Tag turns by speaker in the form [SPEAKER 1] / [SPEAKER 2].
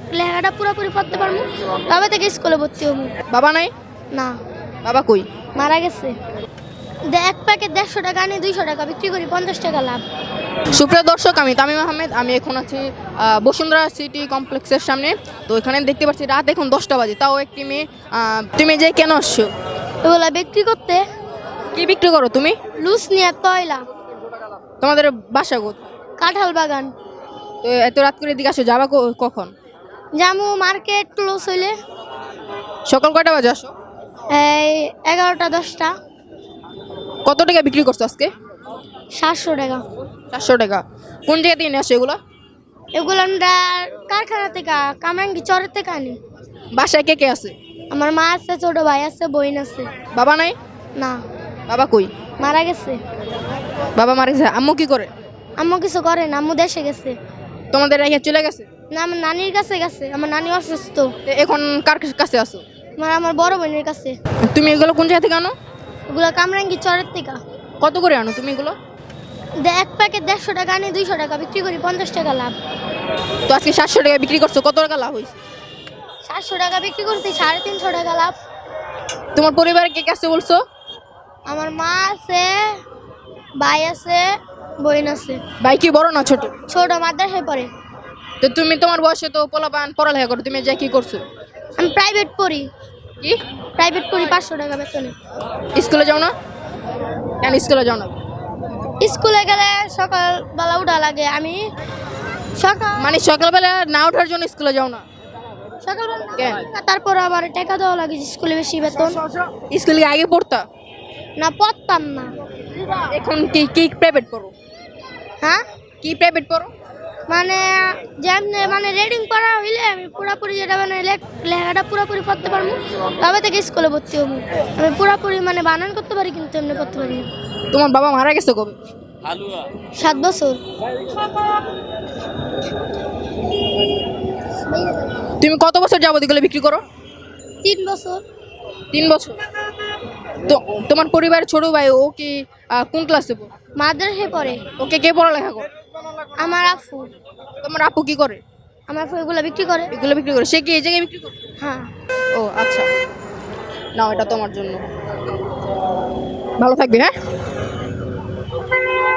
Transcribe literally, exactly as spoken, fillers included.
[SPEAKER 1] লেখাটা পুরোপুরি পড়তে পারবো, তবে থেকে স্কুলে ভর্তি হবো।
[SPEAKER 2] বাবা নাই?
[SPEAKER 1] না,
[SPEAKER 2] বাবা কই?
[SPEAKER 1] মারা গেছে। দে- এক প্যাকেট দেড়শো টাকা আনি দুইশো টাকা বিক্রি করি, পঞ্চাশ টাকা লাভ।
[SPEAKER 2] সুপ্রিয় দর্শক, আমি তামিম আহমেদ। আমি এখন আছি আহ, বসুন্ধরা সিটি কমপ্লেক্সের সামনে। তো এখানে দেখতে পাচ্ছি রাত এখন দশটা বাজে, তাও একটি মেয়ে। আহ, তুমি যে কেন আসছো?
[SPEAKER 1] এগুলা বিক্রি করতে
[SPEAKER 2] কি বিক্রি করো তুমি?
[SPEAKER 1] লুজ নিয়ে তয়লা,
[SPEAKER 2] তোমাদের বাসা কোথায়?
[SPEAKER 1] কাঁঠাল বাগান।
[SPEAKER 2] তো এত রাত করে এদিকে আসো, যাবা ক- কখন?
[SPEAKER 1] জামু মার্কেট ক্লোজ হইলে
[SPEAKER 2] সকাল কয়টা বাজে আসো?
[SPEAKER 1] এই এগারোটা দশটা।
[SPEAKER 2] কত টাকা বিক্রি করছো আজকে?
[SPEAKER 1] সাতশো টাকা।
[SPEAKER 2] চারশো টাকা। কোন জায়গা থেকে নিয়ে আসো এগুলো?
[SPEAKER 1] এগুলো আমরা কারখানা থেকে, কামরাঙ্গি চরের থেকে আনি।
[SPEAKER 2] বাসায় কে কে আছে?
[SPEAKER 1] আমার মা আছে, ছোট ভাই আছে, বোন আছে।
[SPEAKER 2] বাবা নাই?
[SPEAKER 1] না,
[SPEAKER 2] বাবা কই?
[SPEAKER 1] মারা গেছে।
[SPEAKER 2] বাবা মারা গেছে। আম্মু কি করে?
[SPEAKER 1] আম্মু কিছু করে না, আম্মু দেশে গেছে।
[SPEAKER 2] তোমাদের রেখে চলে গেছে?
[SPEAKER 1] না, আমার নানির কাছে গেছে, আমার নানি অসুস্থ।
[SPEAKER 2] তো এখন কার কাছে আসো?
[SPEAKER 1] মানে আমার বড় বোনের কাছে।
[SPEAKER 2] তুমি এগুলো কোন জায়গা থেকে আনো?
[SPEAKER 1] এগুলো কামরাঙ্গি চরের থেকে।
[SPEAKER 2] কত করে আনো তুমি এগুলো?
[SPEAKER 1] দে- এক প্যাকেট দেড়শো টাকা আনি দুইশো টাকা বিক্রি করি, পঞ্চাশ টাকা লাভ।
[SPEAKER 2] তো আজকে সাতশো টাকা বিক্রি করছো, কত টাকা লাভ হয়েছে?
[SPEAKER 1] সাতশো টাকা বিক্রি করছি, সাড়ে তিনশো টাকা লাভ।
[SPEAKER 2] তোমার পরিবারে কে কে আছে বলছো?
[SPEAKER 1] আমার মা আছে, ভাই আছে, বোন আছে।
[SPEAKER 2] ভাই কি বড় না ছোট?
[SPEAKER 1] ছোট মাদ্রাসায় পড়ে।
[SPEAKER 2] তো তুমি তোমার বয়সে তো পোলাপান পড়ালেখা করো, তুমি যা কি করছো?
[SPEAKER 1] আমি প্রাইভেট পড়ি,
[SPEAKER 2] কি
[SPEAKER 1] প্রাইভেট পড়ি পাঁচশো টাকা বেতনে।
[SPEAKER 2] স্কুলে যাও না? কেন স্কুলে যাও না?
[SPEAKER 1] স্কুলে গেলে সকালবেলা উঠা লাগে। আমি সকাল
[SPEAKER 2] মানে সকালবেলা না ওঠার জন্য স্কুলে যাও না?
[SPEAKER 1] সকালবেলা না
[SPEAKER 2] কেন?
[SPEAKER 1] উঠা, তারপর আবার টাকা দেওয়া লাগে স্কুলে বেশি বেতন।
[SPEAKER 2] স্কুলে আগে পড়তা?
[SPEAKER 1] না, পড়তাম না।
[SPEAKER 2] এখন কি কি প্রাইভেট পড়ো?
[SPEAKER 1] হ্যাঁ,
[SPEAKER 2] কি প্রাইভেট পড়ো?
[SPEAKER 1] মানে যেমনি মানে রিডিং পড়া হইলে আমি পুরোপুরি যেটা মানে লেখ- লেখাটা পুরোপুরি পড়তে পারবো, তবে থেকে স্কুলে ভর্তি হবো। আমি পুরোপুরি মানে বানান করতে পারি, কিন্তু এমনি করতে পারি না।
[SPEAKER 2] তোমার বাবা মারা গেছে কবে?
[SPEAKER 1] সাত বছর।
[SPEAKER 2] তুমি কত বছর যাবত এগুলো বিক্রি করো?
[SPEAKER 1] তিন বছর।
[SPEAKER 2] তিন বছর। তো তোমার পরিবারের ছোট ভাই ও কি আহ, কোন ক্লাসে পড়ে?
[SPEAKER 1] মাদ্রাসায় পড়ে।
[SPEAKER 2] ওকে কে পড়ালেখা করে?
[SPEAKER 1] আমার আফু।
[SPEAKER 2] তোমার আপু কি করে?
[SPEAKER 1] আমার আফু এগুলো বিক্রি করে।
[SPEAKER 2] এগুলো বিক্রি করে? সে কি এই জায়গায় বিক্রি করে?
[SPEAKER 1] হ্যাঁ।
[SPEAKER 2] ও আচ্ছা, নাও এটা তোমার জন্য। ভালো থাকবে। হ্যাঁ।